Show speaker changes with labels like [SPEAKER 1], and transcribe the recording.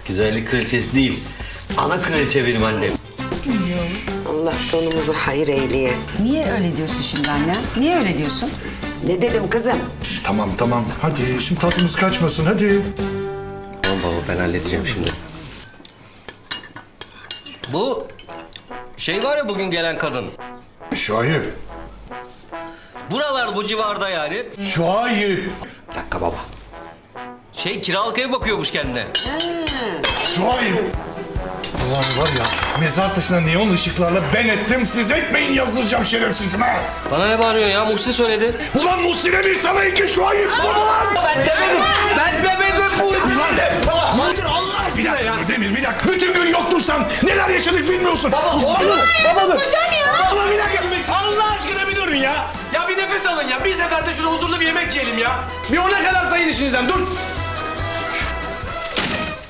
[SPEAKER 1] Güzellik kraliçesi değil. Ana kraliçe benim annem.
[SPEAKER 2] Allah sonumuzu hayır eyleye.
[SPEAKER 3] Niye öyle diyorsun şimdi anne? Niye öyle diyorsun?
[SPEAKER 2] Ne dedim kızım?
[SPEAKER 4] Tamam. Hadi şimdi tatlımız kaçmasın hadi.
[SPEAKER 1] Tamam baba ben halledeceğim şimdi. Bu şey var ya bugün gelen kadın.
[SPEAKER 4] Şuayb.
[SPEAKER 1] Buralar bu civarda yani.
[SPEAKER 4] Şuayb.
[SPEAKER 1] Bir dakika baba. Kiralık ev bakıyormuş kendine.
[SPEAKER 4] Şuayb. Ulan var ya mezar taşına neon ışıklarla ben ettim siz etmeyin yazdıracağım şerefsizime.
[SPEAKER 1] Bana ne bağırıyorsun ya? Muhsin söyledi.
[SPEAKER 4] Ulan Muhsin'e bir sana iki Şuayb.
[SPEAKER 1] Ben demedim Muhsin.
[SPEAKER 4] Allah aşkına ya. Demir bir dakika. Bütün gün yoktun sen. Neler yaşadık bilmiyorsun. Baba dur.
[SPEAKER 5] Hocam ya!
[SPEAKER 6] Ama bir dakika Allah aşkına bir durun ya. Ya bir nefes alın ya. Bir seferde şurada huzurlu bir yemek yiyelim ya. Bir ona kadar sayın işinizden dur.